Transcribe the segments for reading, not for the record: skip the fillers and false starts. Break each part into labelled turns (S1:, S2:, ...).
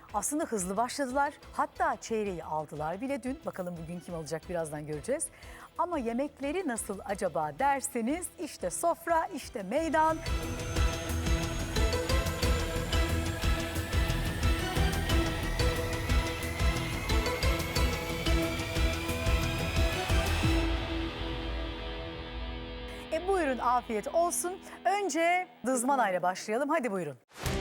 S1: Aslında hızlı başladılar. Hatta çeyreği aldılar bile dün. Bakalım bugün kim alacak birazdan göreceğiz. Ama yemekleri nasıl acaba derseniz işte sofra, işte meydan. Buyurun afiyet olsun. Önce dızmanayla başlayalım. Hadi buyurun.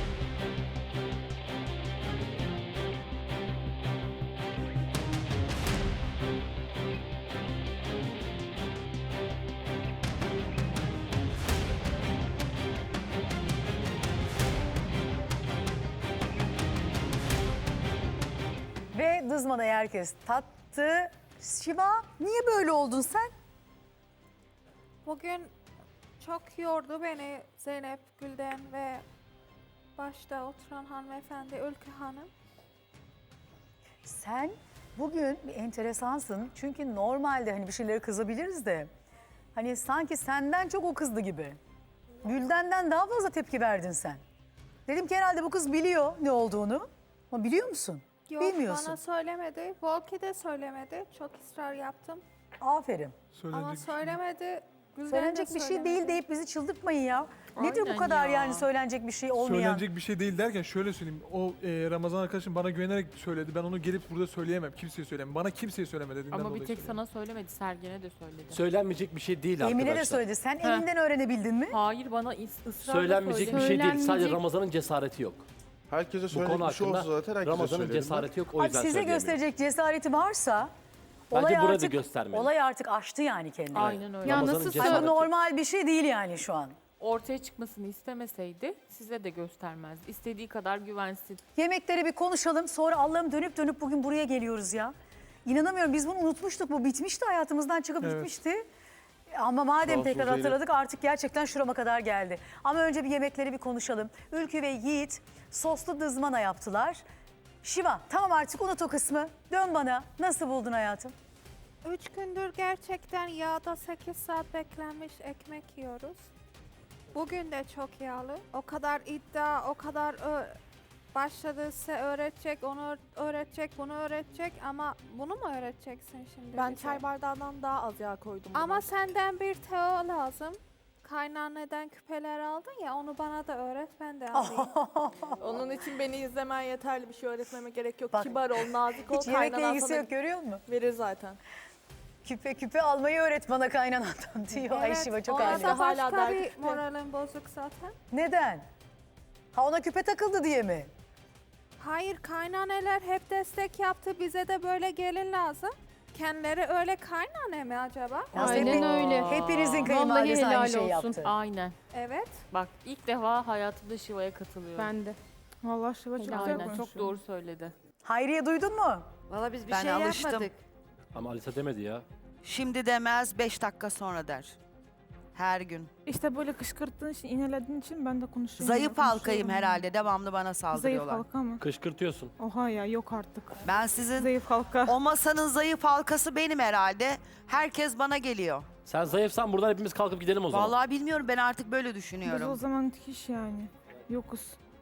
S1: Ve dızmanayı herkes tattı. Şiva, niye böyle oldun sen?
S2: Bugün çok yordu beni Zeynep, Gülden ve başta oturan hanımefendi Ülkü Hanım.
S1: Sen bugün bir enteresansın. Çünkü normalde hani bir şeylere kızabiliriz de hani sanki senden çok o kızdı gibi. Gülden'den daha fazla tepki verdin sen. Dedim ki herhalde bu kız biliyor ne olduğunu. Ama biliyor musun?
S2: Yok,
S1: Bilmiyorsun.
S2: bana söylemedi. Volki de söylemedi. Çok ısrar yaptım.
S1: Aferin.
S2: Ama söylemedi. Gülden
S1: Söylenecek
S2: de
S1: bir şey
S2: söylemedi.
S1: değil deyip bizi çıldırtmayın ya. Nedir bu
S3: Aynen
S1: kadar
S3: ya.
S1: yani söylenecek bir şey olmayan?
S4: Söylenecek bir şey değil derken şöyle söyleyeyim. O Ramazan arkadaşım bana güvenerek söyledi. Ben onu gelip burada söyleyemem. Kimseye söyleyemem. Bana kimseye söyleme dediğinden
S3: Ama
S4: dolayı
S3: bir tek
S4: söylüyorum.
S3: sana söylemedi, Sergen'e de söyledi.
S5: Söylenmeyecek bir şey değil
S1: Emine de
S5: arkadaşlar.
S1: söyledi. Sen
S3: Heh.
S1: elinden öğrenebildin mi?
S3: Hayır, bana ısrarla
S5: Söylenmeyecek bir
S3: söyledi.
S5: şey değil. Sadece Ramazan'ın cesareti yok.
S6: Herkese
S5: Bu
S6: söylediğim
S5: konu
S6: bir şey
S5: hakkında
S6: olsa zaten herkese
S5: Ramazan'ın
S6: söylerim.
S5: cesareti yok. O
S1: Abi
S5: yüzden
S1: size
S5: söyleyemiyor.
S1: gösterecek cesareti varsa
S5: Bence
S1: olay
S5: burada
S1: artık,
S5: göstermeli.
S1: olay artık aştı yani kendini.
S3: Aynen öyle.
S7: Ya
S5: Ramazan'ın
S7: nasıl
S5: cesareti
S1: Ama
S5: yok.
S1: normal bir şey değil yani şu an.
S3: Ortaya çıkmasını istemeseydi size de göstermezdi. İstediği kadar güvensin.
S1: Yemekleri bir konuşalım. Sonra Allah'ım dönüp dönüp bugün buraya geliyoruz ya. İnanamıyorum, biz bunu unutmuştuk. Bu bitmişti, hayatımızdan çıkıp
S4: Evet.
S1: gitmişti. Ama madem
S6: Sağ olsun
S1: tekrar
S6: Zeynep.
S1: hatırladık artık gerçekten şurama kadar geldi. Ama önce bir yemekleri bir konuşalım. Ülkü ve Yiğit soslu dızmana yaptılar. Şiva tamam artık unut o kısmı. Dön bana. Nasıl buldun hayatım?
S2: 3 gündür gerçekten yağda 8 saat beklenmiş ekmek yiyoruz. Bugün de çok yağlı. O kadar iddia, o kadar başladı size öğretecek, onu öğretecek, bunu öğretecek ama bunu mu öğreteceksin şimdi?
S7: Ben
S2: bize?
S7: çay bardağından daha az yağ koydum.
S2: Ama
S7: buna.
S2: senden bir teo lazım. Kaynaneden küpeler aldın ya, onu bana da öğret, ben de alayım.
S7: Onun için beni izlemen yeterli, bir şey öğretmeme gerek yok.
S1: Bak,
S7: Kibar ol, nazik ol,
S1: Hiç yemekle
S7: kaynanan
S1: ilgisi
S7: sana
S1: yok, görüyor musun?
S7: verir zaten.
S1: Küpe küpe almayı öğret bana kaynanandan diyor. Ay Şiva çok
S2: ona
S1: aile.
S2: da
S7: Hala
S2: başka
S7: derdi
S2: bir
S7: küpe.
S2: moralim bozuk zaten.
S1: Neden? Ha ona küpe takıldı diye mi?
S2: Hayır, kaynaneler hep destek yaptı, bize de böyle gelin lazım. Kendileri öyle kaynane mi acaba?
S1: Ya
S7: Aynen
S1: hep-
S7: öyle.
S1: Hepinizin
S7: Vallahi
S1: kayınvalidesi aynı
S7: helal
S1: şeyi
S7: olsun.
S1: yaptı.
S3: Aynen.
S2: Evet.
S3: Bak ilk defa hayatımda Şiva'ya katılıyorum.
S7: Ben de. Vallahi Şiva çok güzel
S3: Aynen,
S7: konuşuyor.
S3: çok doğru söyledi.
S1: Hayriye duydun mu?
S8: Valla biz bir
S9: Ben
S8: şey
S9: alıştım.
S8: yapmadık.
S5: Ama Alisa demedi ya.
S9: Şimdi demez 5 dakika sonra der. Her gün.
S7: İşte böyle kışkırttığın için, inelediğin için ben de konuşuyorum.
S9: Zayıf halkayım
S7: konuşuyorum.
S9: herhalde. Devamlı bana
S7: Zayıf
S9: saldırıyorlar.
S7: halka mı?
S5: Kışkırtıyorsun.
S7: Oha ya, yok artık.
S9: Ben sizin
S7: Zayıf halka.
S9: o masanın zayıf halkası benim herhalde. Herkes bana geliyor.
S5: Sen zayıfsan buradan hepimiz kalkıp gidelim o zaman.
S9: Vallahi bilmiyorum, ben artık böyle
S7: Biz o
S9: düşünüyorum.
S7: zaman hiç yani. Yokuz.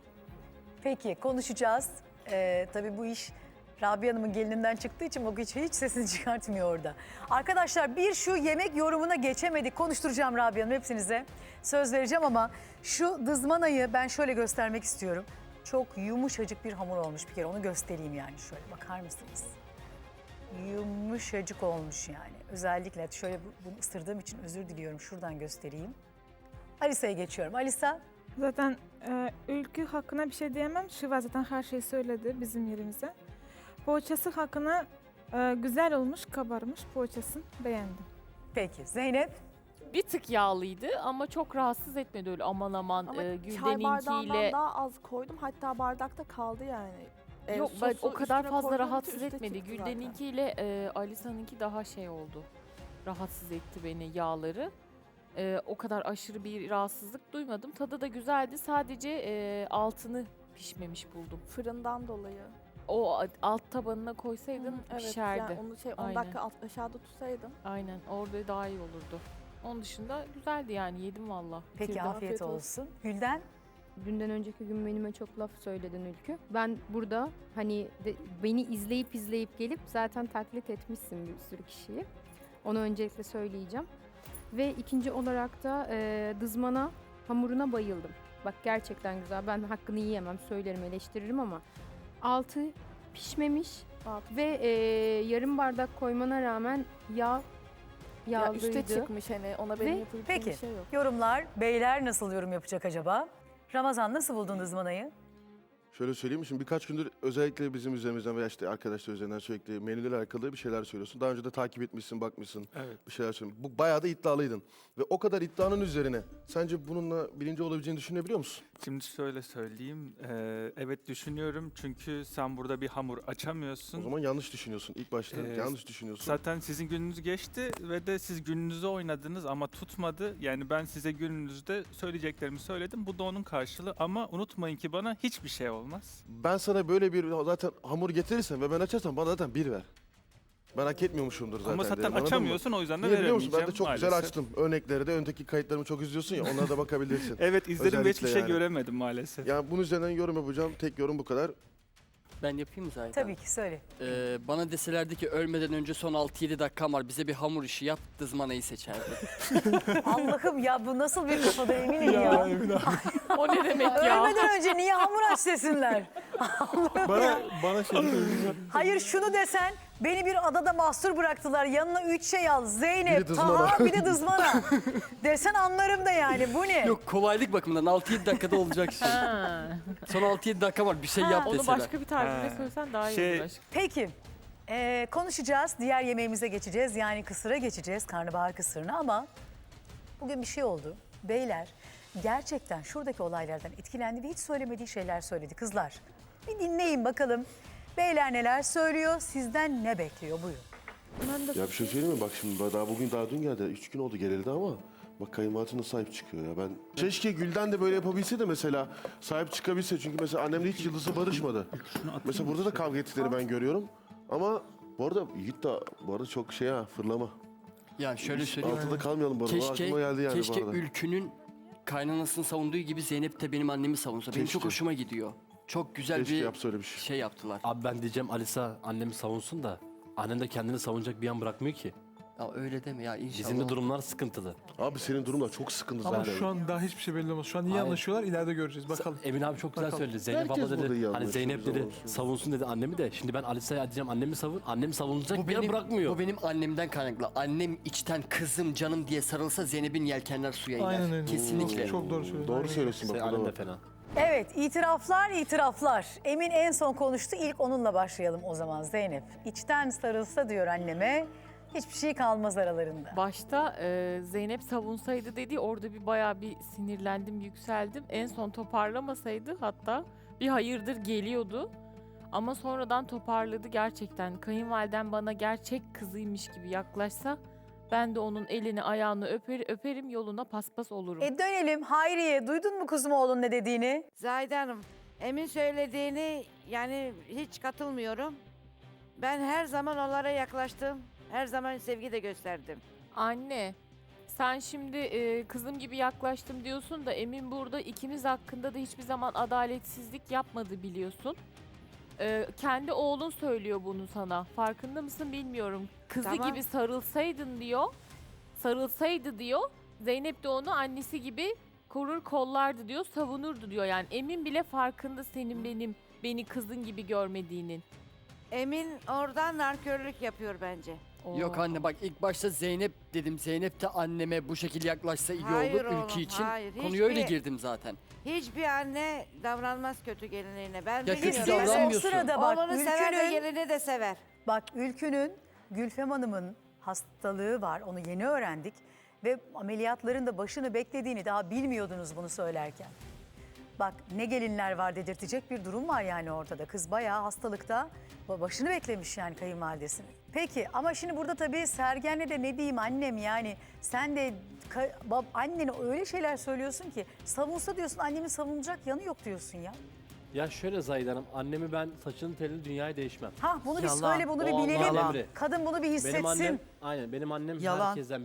S1: Peki konuşacağız. Tabii bu iş Rabia Hanım'ın gelininden çıktığı için o hiç sesini çıkartmıyor orada. Arkadaşlar bir şu yemek yorumuna geçemedik. Konuşturacağım Rabia Hanım hepsinize. Söz vereceğim ama şu dızmanayı ben şöyle göstermek istiyorum. Çok yumuşacık bir hamur olmuş bir kere, onu göstereyim yani şöyle bakar mısınız? Yumuşacık olmuş yani. Özellikle şöyle bunu ısırdığım için özür diliyorum, şuradan göstereyim. Alisa'ya geçiyorum. Alisa.
S7: Zaten Ülkü hakkında bir şey diyemem. Şiva zaten her şeyi söyledi bizim yerimize. Poğaçası hakkında güzel olmuş, kabarmış poğaçasını beğendim.
S1: Peki Zeynep.
S3: Bir tık yağlıydı ama çok rahatsız etmedi öyle aman aman.
S10: Ama çay
S3: Gülden'inkiyle...
S10: bardağından daha az koydum. Hatta bardakta kaldı yani.
S3: Yok
S10: Sosu
S3: o kadar
S10: üstüne
S3: fazla
S10: koyduğum için
S3: rahatsız
S10: üste
S3: etmedi.
S10: çıktı zaten.
S3: Gülden'inkiyle Alisa'nınki daha şey oldu. Rahatsız etti beni yağları. O kadar aşırı bir rahatsızlık duymadım. Tadı da güzeldi. Sadece altını pişmemiş buldum.
S10: Fırından dolayı.
S3: O alt tabanına koysaydın
S10: Evet,
S3: pişerdi.
S10: yani onu 10
S3: Aynen.
S10: dakika aşağıda tutsaydım.
S3: Aynen orada daha iyi olurdu. Onun dışında güzeldi yani yedim valla.
S1: Peki
S3: Bitirdim.
S1: afiyet olsun. Gülden.
S6: dünden önceki gün menüme çok laf söyledin Ülkü. Ben burada hani beni izleyip gelip zaten taklit etmişsin bir sürü kişiyi. Onu öncelikle söyleyeceğim. Ve ikinci olarak da dızmana, hamuruna bayıldım. Bak gerçekten güzel. Ben hakkını yiyemem, söylerim, eleştiririm ama altı pişmemiş ve yarım bardak koymana rağmen
S10: Ya
S6: yağlıydı.
S10: üste çıkmış hani ona benim
S6: Ve-
S10: yapabileceğim
S1: Peki
S10: bir şey yok.
S1: yorumlar, beyler nasıl yorum yapacak acaba? Ramazan nasıl buldun ızmanayı?
S8: Şöyle söyleyeyim mi? Şimdi birkaç gündür özellikle bizim üzerimizden veya işte arkadaşlar üzerinden sürekli menülerle alakalı bir şeyler söylüyorsun. Daha önce de takip etmişsin, bakmışsın,
S4: Evet.
S8: bir şeyler söylüyorsun. Bu bayağı da iddialıydın. Ve o kadar iddianın üzerine sence bununla birinci olabileceğini düşünebiliyor musun?
S11: Şimdi şöyle söyleyeyim. Evet düşünüyorum çünkü sen burada bir hamur açamıyorsun.
S8: O zaman yanlış düşünüyorsun. İlk başta yanlış düşünüyorsun.
S11: Zaten sizin gününüz geçti ve de siz gününüzü oynadınız ama tutmadı. Yani ben size gününüzde söyleyeceklerimi söyledim. Bu da onun karşılığı ama unutmayın ki bana hiçbir şey olmaz.
S8: Ben sana böyle bir zaten hamur getirirsen ve ben açarsam bana zaten bir ver. Ben hak etmiyormuşumdur zaten.
S11: Ama
S8: diye,
S11: zaten
S8: anladın mı?
S11: açamıyorsun o yüzden de
S8: Niye biliyor
S11: veremeyeceğim
S8: musun? Ben de çok güzel
S11: maalesef.
S8: açtım. Örnekleri de öndeki kayıtlarımı çok izliyorsun ya onlara da bakabilirsin.
S11: Evet izledim ve hiçbir
S8: Özellikle
S11: şey
S8: yani.
S11: göremedim maalesef.
S8: Yani bunun üzerinden yorum yapacağım. Tek yorum bu kadar.
S12: Ben yapayım mı zaten?
S1: Tabii ki söyle.
S12: Bana deselerdi ki ölmeden önce son 6-7 dakikam var bize bir hamur işi yap dızmanayı seçerdim.
S1: Allah'ım ya bu nasıl bir kafada eminim ya.
S3: O ne demek ya?
S1: Ölmeden önce niye hamur aç desinler?
S4: Bana şey söylüyor.
S1: Hayır şunu desen beni bir adada mahsur bıraktılar. Yanına 3 şey al. Zeynep,
S8: Biri dızmana.
S1: Taha bir de dızmana. Desen anlarım da yani bu ne?
S12: Yok kolaylık bakımından 6-7 dakikada olacak şey.
S3: Ha.
S12: Son 6-7 dakika var bir şey yap
S3: Onu
S12: deseler.
S3: başka bir tarzıyla
S11: Ha.
S3: söylesen daha iyi
S11: Şey-
S3: olur aşkım.
S1: Peki konuşacağız. Diğer yemeğimize geçeceğiz. Yani kısıra geçeceğiz. Karnabahar kısırına ama bugün bir şey oldu. Beyler gerçekten şuradaki olaylardan etkilendi ve hiç söylemediği şeyler söyledi kızlar. Bir dinleyin bakalım. Beyler neler söylüyor? Sizden ne bekliyor? Buyurun.
S8: Ya bir şey söyleyeyim mi? Bak şimdi daha dün geldi. 3 gün oldu geleli ama bak kayınvalidesine sahip çıkıyor ya. Ben keşke Gülden de böyle yapabilse de mesela sahip çıkabilse. Çünkü mesela annemle hiç yıldızı barışmadı. Mesela burada da kavga ettikleri ben görüyorum. Ama bu arada Yiğit de bu arada çok fırlama.
S12: Ya şöyle söyleyeyim.
S8: Altında kalmayalım bu arada.
S12: Keşke,
S8: Aklıma geldi yani
S12: keşke
S8: bu arada.
S12: Ülkü'nün kaynanasını savunduğu gibi Zeynep de benim annemi savunsa. Benim çok
S8: Keşke.
S12: hoşuma gidiyor. Çok güzel
S8: Keşke
S12: bir
S8: yapsa öyle bir şey.
S12: şey yaptılar.
S5: Abi ben diyeceğim Alisa annemi savunsun da annem de kendini savunacak bir an bırakmıyor ki.
S12: Ya öyle deme ya inşallah.
S5: Bizim de durumlar sıkıntılı.
S8: Abi senin durum da çok sıkıntı
S4: Ama
S8: zaten.
S4: şu an daha hiçbir şey belli olmaz. Şu an iyi
S5: Hayır.
S4: anlaşıyorlar. İleride göreceğiz. Bakalım.
S5: Emin abi çok güzel
S4: Bakalım.
S5: söyledi. Zeynep
S8: Herkes
S5: abla
S8: burada iyi
S5: dedi. Hani
S8: anlaşıyor,
S5: Zeynep
S8: biz
S5: dedi
S8: anlaşıyoruz.
S5: savunsun dedi annemi de. Şimdi ben Alisa'ya diyeceğim annemi savun. Annem savunacak
S12: Bu
S5: bir an
S12: benim,
S5: bırakmıyor.
S12: bu benim annemden kaynaklı. Annem içten kızım canım diye sarılsa Zeynep'in yelkenler suya iner.
S4: Aynen öyle.
S12: Kesinlikle.
S4: Çok doğru söylüyorsun.
S8: Doğru
S4: Aynen.
S8: söylüyorsun bak.
S5: Senin
S8: buna
S5: annem de
S8: bak.
S5: fena.
S1: Evet itiraflar. Emin en son konuştu. İlk onunla başlayalım o zaman Zeynep. İçten sarılsa diyor anneme. Hiçbir şey kalmaz aralarında.
S3: Başta Zeynep savunsaydı dedi orada bir bayağı bir sinirlendim, yükseldim. En son toparlamasaydı hatta bir hayırdır geliyordu. Ama sonradan toparladı gerçekten. Kayınvaliden bana gerçek kızıymış gibi yaklaşsa ben de onun elini ayağını öperim yoluna paspas olurum.
S1: Dönelim Hayriye. Duydun mu kuzum oğlun ne dediğini?
S13: Zahide Hanım, Emin söylediğini yani hiç katılmıyorum. Ben her zaman onlara yaklaştım. Her zaman sevgi de gösterdim.
S3: Anne, sen şimdi kızım gibi yaklaştım diyorsun da Emin burada ikimiz hakkında da hiçbir zaman adaletsizlik yapmadı biliyorsun. Kendi oğlun söylüyor bunu sana. Farkında mısın bilmiyorum. Kızı
S13: Tamam.
S3: gibi sarılsaydın diyor. Sarılsaydı diyor. Zeynep de onu annesi gibi korur kollardı diyor. Savunurdu diyor. Yani Emin bile farkında senin beni kızın gibi görmediğinin.
S13: Emin oradan nankörlük yapıyor bence.
S12: Yok anne bak ilk başta Zeynep dedim. Zeynep de anneme bu şekilde yaklaşsa iyi
S13: Hayır
S12: olur
S13: oğlum,
S12: ülke için.
S13: hayır.
S12: Konuya öyle
S13: Hiçbir-
S12: girdim zaten.
S13: Hiçbir anne davranmaz kötü gelinliğine. Ben
S12: Ya kötü
S13: biliyorum.
S1: Biz o
S12: davranmıyorsun.
S1: sırada bak
S13: Oğlunu sever ve
S1: Ülkü'nün,
S13: gelini de sever.
S1: bak Ülkü'nün Gülfem Hanım'ın hastalığı var. Onu yeni öğrendik. Ve ameliyatların da başını beklediğini daha bilmiyordunuz bunu söylerken. Bak ne gelinler var dedirtecek bir durum var yani ortada. Kız bayağı hastalıkta başını beklemiş yani kayınvalidesini. Peki ama şimdi burada tabii Sergen'le de ne diyeyim annem yani sen de annene öyle şeyler söylüyorsun ki savunsa diyorsun annemin savunacak yanı yok diyorsun ya.
S5: Ya şöyle Zahide Hanım, annemi ben saçını telini dünyaya değişmem.
S1: Bunu bir
S12: Yalan.
S1: söyle bunu bir
S5: O
S1: bilelim.
S5: Allah'ın emri.
S1: Kadın bunu bir hissetsin.
S5: Benim annem, aynen benim annem
S9: Yalan.
S5: herkesten, benim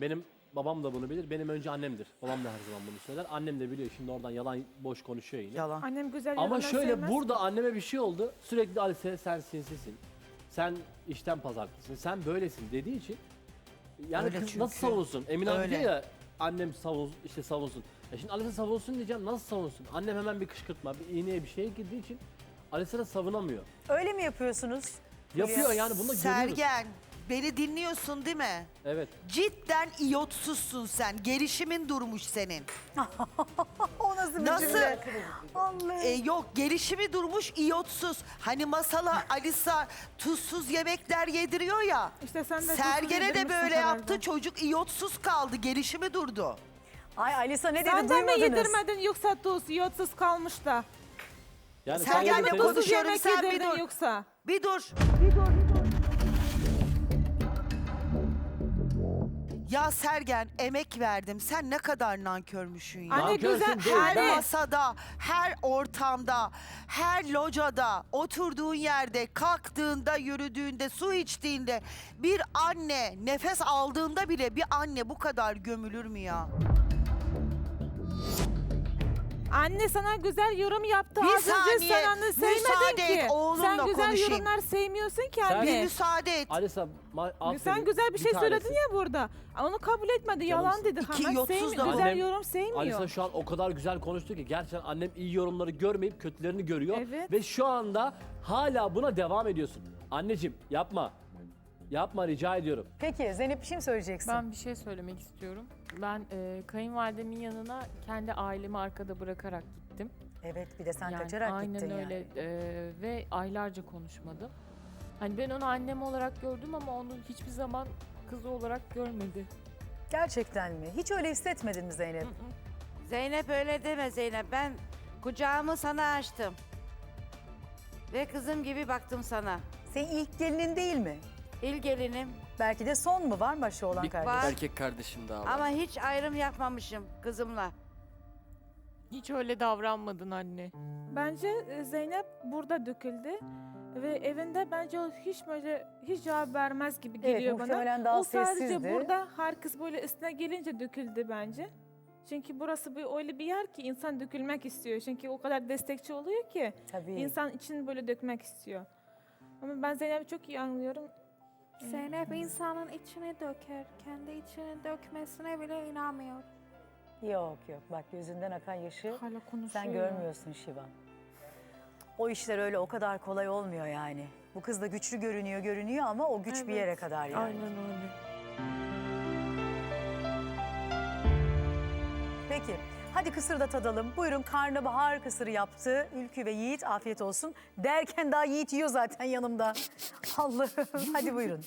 S5: babam da bunu bilir. Benim önce annemdir. Babam da her zaman bunu söyler. Annem de biliyor. Şimdi oradan yalan boş konuşuyor yine.
S9: Yalan.
S7: Annem güzel
S5: Ama
S7: yorumlar
S5: şöyle
S7: sevmez.
S5: burada anneme bir şey oldu. Sürekli Alice sen sinsisin. Sen işten pazartısın. Sen böylesin dediği için. Yani
S9: Öyle
S5: kız
S9: çünkü.
S5: nasıl savunsun? Emine abi
S9: Öyle.
S5: diyor ya annem savunsun. Şimdi Alice savunsun diyeceğim. Nasıl savunsun? Annem hemen bir kışkırtma, bir iğneye bir şeye girdiği için Alice de savunamıyor.
S1: Öyle mi yapıyorsunuz?
S5: Yapıyor yani bunu görüyoruz.
S9: Sergen, beni dinliyorsun değil mi?
S5: Evet.
S9: Cidden iyotsuzsun sen. Gelişimin durmuş senin.
S1: O nasıl bir
S9: Nasıl?
S1: cümle? Allah'ım.
S9: Yok, gelişimi durmuş iyotsuz. Hani masala Alisa tuzsuz yemekler yediriyor ya.
S7: İşte sen de
S9: Sergen'e de
S7: yedirmişsin
S9: böyle
S7: herhalde.
S9: yaptı. Çocuk iyotsuz kaldı. Gelişimi durdu.
S1: Ay Alisa ne dedi
S7: Sen de mi
S1: duymadınız?
S7: yedirmedin yoksa tuz yotsuz kalmış da?
S5: Yani
S9: Sergen'le
S5: sen
S7: Tuzsuz
S9: konuşuyorum,
S7: yemek
S9: sen bir
S7: yedirdin
S9: dur.
S7: yoksa?
S9: Bir dur. Ya Sergen, emek verdim. Sen ne kadar nankörmüşsün ya.
S7: Anne
S5: Nankör
S7: güzel,
S5: sen değil,
S9: Her
S7: anne.
S9: masada, her ortamda, her locada, oturduğun yerde, kalktığında, yürüdüğünde, su içtiğinde bir anne, nefes aldığında bile bir anne bu kadar gömülür mü ya?
S7: Anne sana güzel yorum yaptı.
S9: Bir
S7: Az önce
S9: saniye,
S7: sen anne sevmedin
S9: müsaade
S7: ki.
S9: et, oğlumla
S7: Sen güzel
S9: konuşayım.
S7: yorumlar sevmiyorsun ki
S5: Sen-
S7: anne.
S9: Bir müsaade et.
S5: Alisa,
S7: Sen güzel bir şey söyledin ya burada. Onu kabul etmedi. Yalan dedi.
S9: İki
S7: Hemen
S9: yotsuz
S7: sevmiyor.
S9: da-
S7: Güzel
S5: Annem-
S7: yorum sevmiyor.
S5: Alisa şu an o kadar güzel konuştu ki gerçekten annem iyi yorumları görmeyip kötülerini görüyor.
S7: Evet.
S5: Ve şu anda hala buna devam ediyorsun. Anneciğim yapma. Yapma rica ediyorum.
S1: Peki Zeynep bir şey mi söyleyeceksin?
S3: Ben bir şey söylemek istiyorum. Ben kayınvalidemin yanına kendi ailemi arkada bırakarak gittim.
S1: Evet bir de sen
S3: Yani
S1: kaçarak
S3: aynen
S1: gittin
S3: öyle
S1: yani.
S3: Ve aylarca konuşmadım. Hani ben onu annem olarak gördüm ama onu hiçbir zaman kızı olarak görmedi.
S1: Gerçekten mi? Hiç öyle hissetmedin mi Zeynep?
S13: Zeynep öyle deme Zeynep. Ben kucağımı sana açtım. Ve kızım gibi baktım sana.
S1: Senin ilk gelinin değil mi?
S13: İlk gelinim
S1: Belki de son mu? Var mı başı olan
S12: Bir
S1: kardeş?
S13: var.
S12: erkek kardeşim daha var.
S13: ama hiç ayrım yapmamışım kızımla.
S3: Hiç öyle davranmadın anne.
S7: Bence Zeynep burada döküldü. Ve evinde bence o hiç cevap vermez gibi
S1: Evet,
S7: geliyor bana.
S1: muhtemelen daha
S7: O sadece
S1: sessizdi.
S7: burada herkes böyle üstüne gelince döküldü bence. Çünkü burası öyle bir yer ki insan dökülmek istiyor. Çünkü o kadar destekçi oluyor ki
S1: Tabii.
S7: insan için böyle dökmek istiyor. Ama ben Zeynep'i çok iyi anlıyorum.
S2: Zeynep insanın içini döker. Kendi içini dökmesine bile inanmıyor.
S1: Yok yok bak gözünden akan yaşı
S7: Hala konuşuyor.
S1: sen görmüyorsun Şivan. O işler öyle o kadar kolay olmuyor yani. Bu kız da güçlü görünüyor ama o güç bir yere kadar yani.
S3: Aynen öyle.
S1: Peki hadi kısır da tadalım. Buyurun karnabahar kısırı yaptı. Ülkü ve Yiğit afiyet olsun. Derken daha Yiğit yiyor zaten yanımda. Allah'ım hadi buyurun.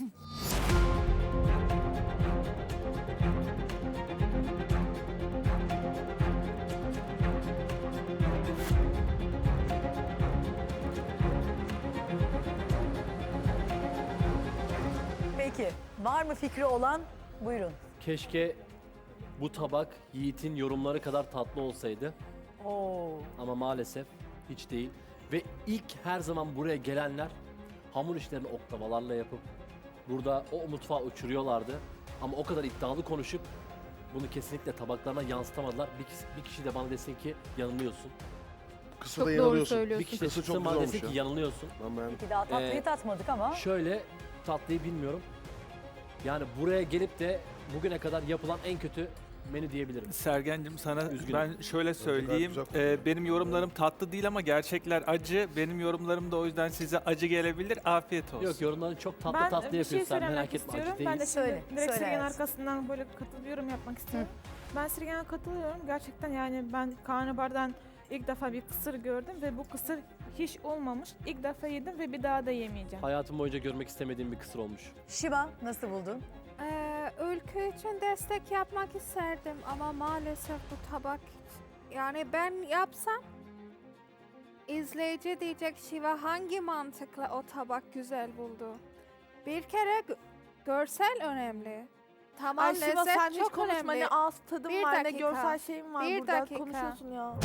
S1: Peki var mı fikri olan buyurun.
S5: Keşke bu tabak Yiğit'in yorumları kadar tatlı olsaydı.
S1: Oo.
S5: Ama maalesef hiç değil. Ve ilk her zaman buraya gelenler hamur işlerini oklavalarla yapıp burada o mutfağı uçuruyorlardı. Ama o kadar iddialı konuşup bunu kesinlikle tabaklarına yansıtamadılar. Bir kişi de bana desin ki yanılıyorsun.
S8: Kısa
S6: Çok
S8: da
S6: doğru
S8: yanılıyorsun.
S6: söylüyorsun.
S5: Bir kişi de
S8: Kısı
S5: çıksın
S8: çok
S5: bana
S8: güzel
S5: desin
S8: olmuş
S5: ki
S8: ya.
S5: yanılıyorsun.
S8: Ben beğendim.
S1: Peki daha tatlıyı tatmadık ama.
S5: Şöyle tatlıyı bilmiyorum. Yani buraya gelip de bugüne kadar yapılan en kötü menü diyebilirim.
S11: Sergen'cim sana
S5: Üzgünüm.
S11: ben şöyle söyleyeyim.
S8: güzel kokuyor.
S11: Benim yorumlarım tatlı değil ama gerçekler acı. Benim yorumlarım da o yüzden size acı gelebilir. Afiyet olsun.
S5: Yok yorumların çok tatlı
S7: Ben
S5: tatlı
S7: bir şey
S5: yapıyorsun. Sen
S7: söylemek
S5: merak etme
S7: istiyorum.
S5: acı
S7: Ben de
S5: değil.
S7: şimdi
S1: Söyle,
S7: direkt
S1: söyle
S7: Sirgen
S1: hayatım.
S7: arkasından böyle katılıyorum yapmak istiyorum. Ben Sirgen'e katılıyorum. Gerçekten yani ben karnabahardan ilk defa bir kısır gördüm ve bu kısır hiç olmamış. İlk defa yedim ve bir daha da yemeyeceğim.
S5: Hayatım boyunca görmek istemediğim bir kısır olmuş.
S1: Şivan nasıl buldun?
S2: Ülke için destek yapmak isterdim ama maalesef bu tabak yani ben yapsam izleyici diyecek Şiva hangi mantıkla o tabak güzel buldu. Bir kere görsel önemli. Tamam
S10: Ay Şiva
S2: lezzet
S10: sen hiç
S2: çok
S10: konuşma
S2: önemli.
S10: ne ağız tadım
S2: Bir
S10: var ne
S2: dakika.
S10: görsel şeyim var
S2: Bir
S10: burada
S2: dakika.
S10: konuşuyorsun ya.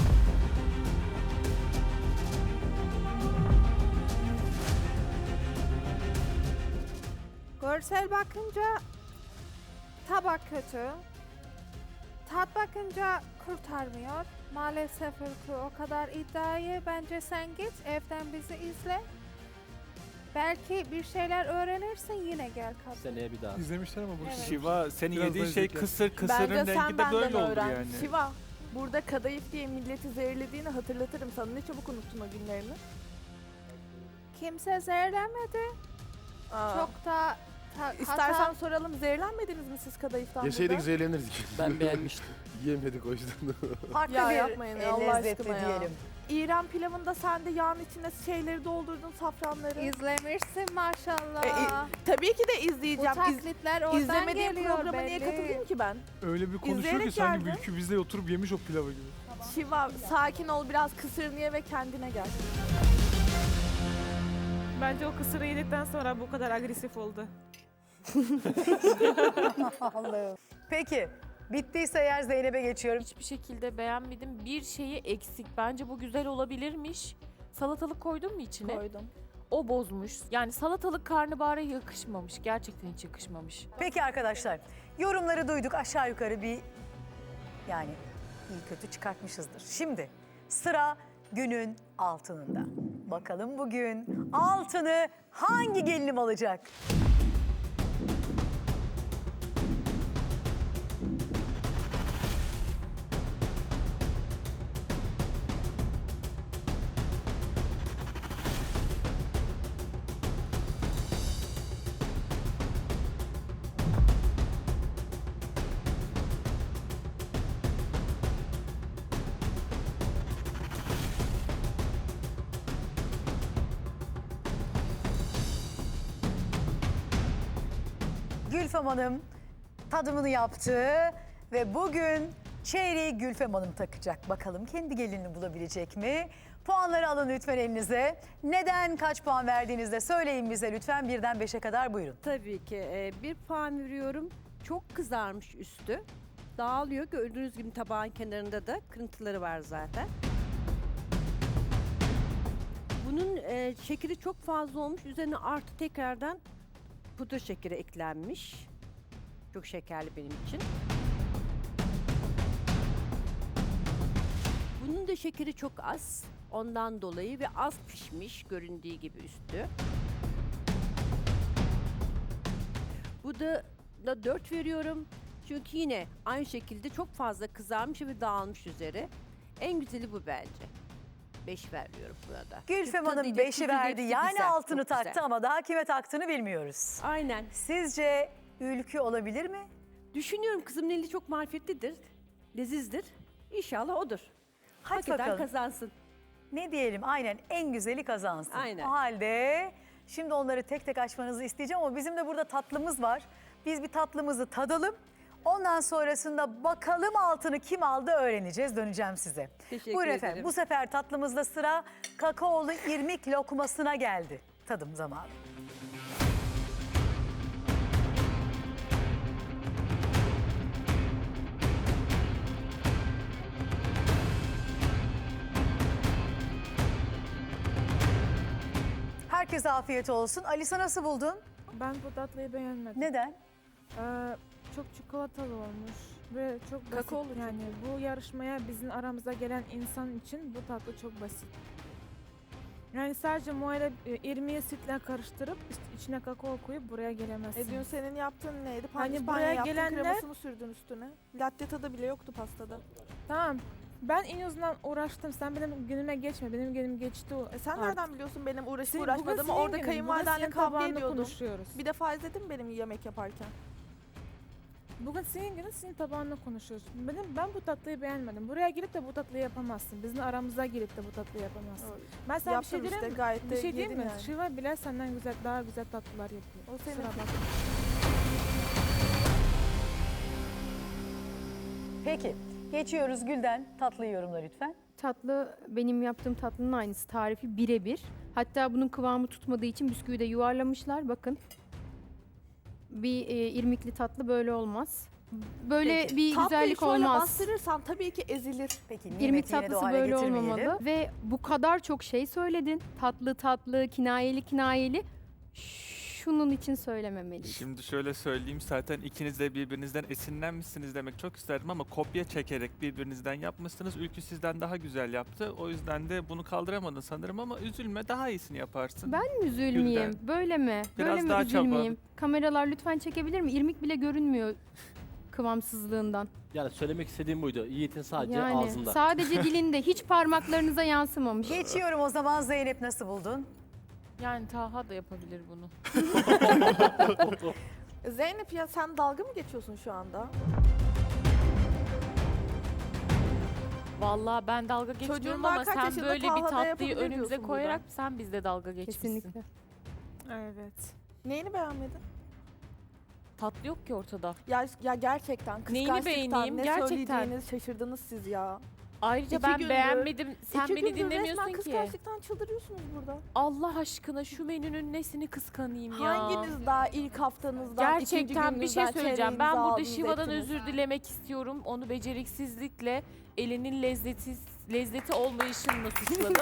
S2: Görsel bakınca tabak kötü. tat bakınca kurtarmıyor. Maalesef Ülkü o kadar iddiayı. Bence sen git evden bizi izle. Belki bir şeyler öğrenirsin yine gel kat.
S5: Seneye bir daha.
S4: İzlemişler ama bu
S2: Evet.
S11: Şiva senin
S4: Biraz
S11: yediğin
S4: daha
S11: şey
S4: zevkli.
S11: kısır, kısırın
S10: Bence
S11: rengi
S10: sen
S11: de
S10: benden
S11: böyle oldu
S10: öğren.
S11: yani.
S10: Şiva, burada kadayıf diye milleti zehirlediğini hatırlatırım sana. Ne çabuk unuttun o günlerini.
S2: Kimse zehirlenmedi.
S10: Aa.
S2: Çok da
S10: İstersen soralım, zehirlenmediniz mi siz kadayıftan?
S8: Yeseydik
S10: burada?
S8: zehirlenirdik.
S12: Ben beğenmiştim.
S8: Yemedik o yüzden.
S1: Farklı
S10: Ya
S1: bir
S10: yapmayın ya, Allah
S1: lezzetli
S10: aşkına ya.
S1: diyelim.
S10: İrem pilavında sen de yağın içine şeyleri doldurdun, safranları.
S2: izlemişsin maşallah.
S10: Tabii ki de
S2: Bu
S10: izleyeceğim.
S2: taklitler oradan
S10: İzlemediğim
S2: geliyor
S10: programa niye
S2: belli.
S10: katılayım ki ben?
S4: öyle bir konuşuyor ki
S10: İzleyerek
S4: sanki
S10: geldim.
S4: Ülkü bizle oturup yemiş o pilavı gibi.
S10: Şiva, sakin ol, biraz kısırını ye ve kendine gel.
S7: Bence o kısırı yedikten sonra bu kadar agresif oldu.
S1: Allah'ım. Peki bittiyse eğer Zeynep'e geçiyorum.
S3: Hiçbir şekilde beğenmedim. Bir şeyi eksik. Bence bu güzel olabilirmiş. Salatalık koydun mu içine?
S10: Koydum.
S3: O bozmuş. Yani salatalık karnabahara yakışmamış. Gerçekten hiç yakışmamış.
S1: Peki arkadaşlar yorumları duyduk aşağı yukarı bir yani iyi kötü çıkartmışızdır. Şimdi sıra günün altınında. Bakalım bugün altını hangi gelinim alacak? Gülfem Hanım tadımını yaptı ve bugün çeyreği Gülfem Hanım takacak. Bakalım kendi gelinini bulabilecek mi? Puanları alın lütfen elinize. Neden kaç puan verdiğinizde söyleyin bize lütfen 1'den 5'e kadar buyurun.
S14: Tabii ki. 1 puan veriyorum. Çok kızarmış üstü. Dağılıyor. Gördüğünüz gibi tabağın kenarında da kırıntıları var zaten. Bunun şekeri çok fazla olmuş. Üzerine artı tekrardan pudra şekeri eklenmiş. Çok şekerli benim için. Bunun da şekeri çok az. Ondan dolayı ve az pişmiş göründüğü gibi üstü. Bu da 4 veriyorum. Çünkü yine aynı şekilde çok fazla kızarmış ve dağılmış üzeri. En güzeli bu bence. 5 veriyorum buna da.
S1: Gülfem
S14: Tadı
S1: Hanım
S14: ile
S1: 5'i
S14: tuzu
S1: verdi
S14: hepsi
S1: yani
S14: güzel,
S1: altını
S14: çok güzel.
S1: taktı ama daha kime taktığını bilmiyoruz.
S14: Aynen.
S1: Sizce Ülkü olabilir mi?
S14: Düşünüyorum kızımın eli çok marifetlidir. Lezizdir. İnşallah odur.
S1: Hadi
S14: Hak eden
S1: bakalım.
S14: kazansın.
S1: Ne diyelim aynen en güzeli kazansın.
S14: Aynen.
S1: O halde şimdi onları tek tek açmanızı isteyeceğim ama bizim de burada tatlımız var. Biz bir tatlımızı tadalım. Ondan sonrasında bakalım altını kim aldı öğreneceğiz. Döneceğim size.
S14: Teşekkür
S1: Buyurun
S14: ederim.
S1: efendim. Bu sefer tatlımızda sıra kakaolu irmik lokmasına geldi. Tadım zamanı. Herkese afiyet olsun. Alisa nasıl buldun?
S7: Ben bu tatlıyı beğenmedim.
S1: Neden?
S7: Çok çikolatalı olmuş ve çok basit.
S10: Kakaolu çok.
S7: Yani bu yarışmaya bizim aramıza gelen insan için bu tatlı çok basit. Yani sadece muayene irmiği sütle karıştırıp içine kakao koyup buraya gelemezsiniz.
S10: Dün senin yaptığın neydi?
S7: Hani
S10: Pandispanya
S7: buraya
S10: yaptın,
S7: gelenler-
S10: kremasını sürdün üstüne. Latte tadı bile yoktu pastada.
S7: Tamam. Ben en azından uğraştım. Sen benim günüme geçme. Benim günüm geçti.
S10: Sen
S7: Artık.
S10: nereden biliyorsun benim uğraşıp
S7: Bugün
S10: uğraşmadığımı?
S7: senin
S10: Orada
S7: günün, bugün
S10: kayınvalidenle
S7: senin
S10: kavga
S7: tabağında
S10: ediyordum.
S7: konuşuyoruz.
S10: Bir defa izledin mi benim yemek yaparken?
S7: Bugün senin günün, senin tabağında konuşuyoruz. Ben bu tatlıyı beğenmedim. Buraya gelip de bu tatlıyı yapamazsın. Bizim aramıza gelip de bu tatlıyı yapamazsın. Ben sana bir şey
S10: Yaptım
S7: diyeyim
S10: işte,
S7: mi?
S10: gayet
S7: Bir
S10: de
S7: şey diyeyim
S10: yedin
S7: mi?
S10: yani.
S7: Şiva bile senden güzel, daha güzel tatlılar yapıyor.
S10: O senin.
S7: Kusura bakma.
S1: Peki. Geçiyoruz Gülden. Tatlı yorumla lütfen.
S6: Tatlı benim yaptığım tatlının aynısı. Tarifi birebir. Hatta bunun kıvamı tutmadığı için bisküvi de yuvarlamışlar. Bakın. Bir irmikli tatlı böyle olmaz. Böyle
S10: Peki.
S6: bir
S10: Tatlıyı
S6: güzellik
S10: şöyle
S6: olmaz.
S10: bastırırsan tabii ki ezilir.
S1: Peki
S6: İrmik
S1: nimeti yine de o
S6: tatlısı
S1: hale
S6: böyle
S1: getirmeyelim.
S6: olmamalı. Ve bu kadar çok şey söyledin. Tatlı tatlı, kinayeli kinayeli. şunun için söylememeliyim.
S11: Şimdi şöyle söyleyeyim, zaten ikiniz de birbirinizden esinlenmişsiniz demek çok isterdim ama kopya çekerek birbirinizden yapmışsınız. Ülkü sizden daha güzel yaptı. O yüzden de bunu kaldıramadın sanırım ama üzülme, daha iyisini yaparsın.
S6: Ben mi üzülmeyeyim?
S11: Gülden.
S6: Böyle mi?
S11: Biraz
S6: Böyle mi
S11: daha çaba.
S6: üzülmeyeyim? Kameralar lütfen çekebilir mi? İrmik bile görünmüyor kıvamsızlığından.
S5: Yani söylemek istediğim buydu. Yiğit'in sadece
S6: Yani
S5: ağzında.
S6: sadece dilinde, hiç parmaklarınıza yansımamış.
S1: Geçiyorum o zaman. Zeynep, nasıl buldun?
S3: Yani Taha da yapabilir bunu.
S10: Zeynep ya sen dalga mı geçiyorsun şu anda?
S3: Vallahi ben dalga geçmiyorum
S10: Çocuğun
S3: ama
S10: daha kaç
S3: sen
S10: yaşında,
S3: böyle bir
S10: Taha da
S3: tatlıyı
S10: yapabilir
S3: önümüze
S10: diyorsun
S3: koyarak
S10: burada.
S3: sen bizde dalga geçmişsin.
S6: Kesinlikle.
S7: Evet.
S10: Neyini beğenmedin?
S3: Tatlı yok ki ortada.
S10: Ya gerçekten
S3: Neyini
S10: kıskançlıktan
S3: beğeneyim?
S10: ne
S3: Gerçekten.
S10: söyleyeceğinizi şaşırdınız siz ya.
S3: Ayrıca
S10: İki
S3: ben
S10: gündür-
S3: beğenmedim. Sen
S10: İki
S3: beni
S10: gündür
S3: dinlemiyorsun
S10: resmen
S3: ki.
S10: kıskançlıktan çıldırıyorsunuz burada.
S3: Allah aşkına şu menünün nesini kıskanayım ya.
S10: Hanginiz daha ilk haftanızdan, ikinci
S3: Gerçekten bir şey
S10: gününüzden
S3: söyleyeceğim. Ben
S10: çeyreğinizi
S3: burada
S10: aldınız,
S3: Şiva'dan
S10: ettiniz?
S3: özür dilemek istiyorum. Onu beceriksizlikle, elinin lezzeti olmayışımla suçladım.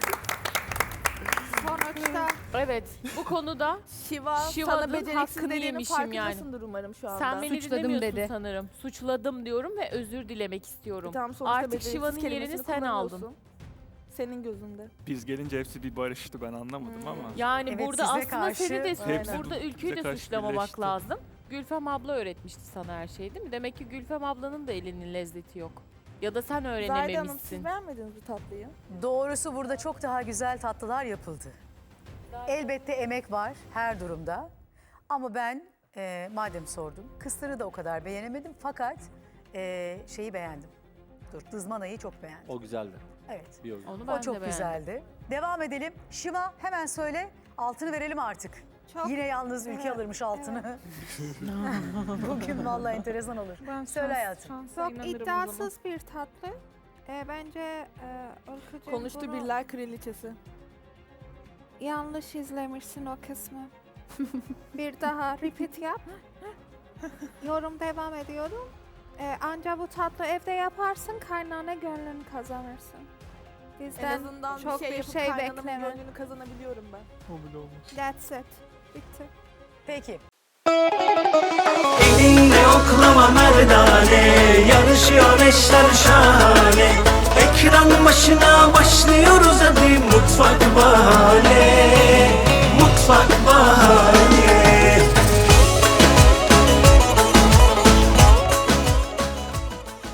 S2: Sonuçta
S3: Evet, bu konuda
S10: Şiva'nın
S3: Şiva'nın
S10: beceriksiz
S3: hakkını
S10: dediğinin
S3: yemişim
S10: farkındasındır umarım şu anda.
S3: sen beni
S6: Suçladım
S3: dinlemiyorsun
S6: dedi.
S3: sanırım. Suçladım diyorum ve özür dilemek istiyorum.
S10: Tamam, sonuçta
S3: Artık
S10: beceriksiz
S3: Şiva'nın yerini
S10: kelimesini
S3: sen aldın.
S10: kullanıyorsun. Senin gözünde.
S11: Biz gelince hepsi bir barıştı, ben anlamadım ama.
S3: Yani
S1: Evet,
S3: burada
S1: size
S3: aslında
S1: karşı-
S3: seni de
S11: Hepsi
S3: burada Ülkü'yü
S11: bize
S3: de
S11: karşı
S3: suçlamamak
S11: birleşti.
S3: lazım. Gülfem abla öğretmişti sana her şeyi değil mi? Demek ki Gülfem ablanın da elinin lezzeti yok. Ya da sen
S10: Zahide Hanım,
S3: öğrenememişsin.
S10: siz beğenmediniz bu tatlıyı.
S1: Doğrusu burada çok daha güzel tatlılar yapıldı. Elbette emek var her durumda. Ama ben madem sordum, kısırı da o kadar beğenemedim. Fakat şeyi beğendim. Dızmanayı çok beğendim.
S5: O güzeldi.
S1: Evet.
S5: Bir yorum.
S3: Onu ben
S1: O
S3: de
S1: çok
S3: beğendim.
S1: güzeldi. Devam edelim. Şiva hemen söyle. Altını verelim artık.
S2: çok
S1: Yine yalnız Ülke alırmış altını. Bugün vallahi enteresan olur.
S7: Ben
S1: Söyle hayatım.
S7: şansa
S2: çok
S7: inanırım o zaman.
S2: iddiasız bir tatlı. Bence Ülkücüğüm
S10: Konuştu
S2: bunu
S10: birler kraliçesi.
S2: yanlış izlemişsin o kısmı. Bir daha repeat yap. Yorum devam ediyorum. Anca bu tatlı evde yaparsın, kaynana gönlünü kazanırsın.
S10: En
S2: Bizden
S10: azından
S2: çok
S10: bir şey yapıp
S2: şey
S10: kaynanamın
S2: bekleme.
S10: gönlünü kazanabiliyorum ben.
S4: O bile olmaz.
S2: That's it. Bitti.
S1: Peki.
S15: Elinle oklama merdane, yarışıyor eşler şahane. Ekran başına başlıyoruz hadi mutfak bahane.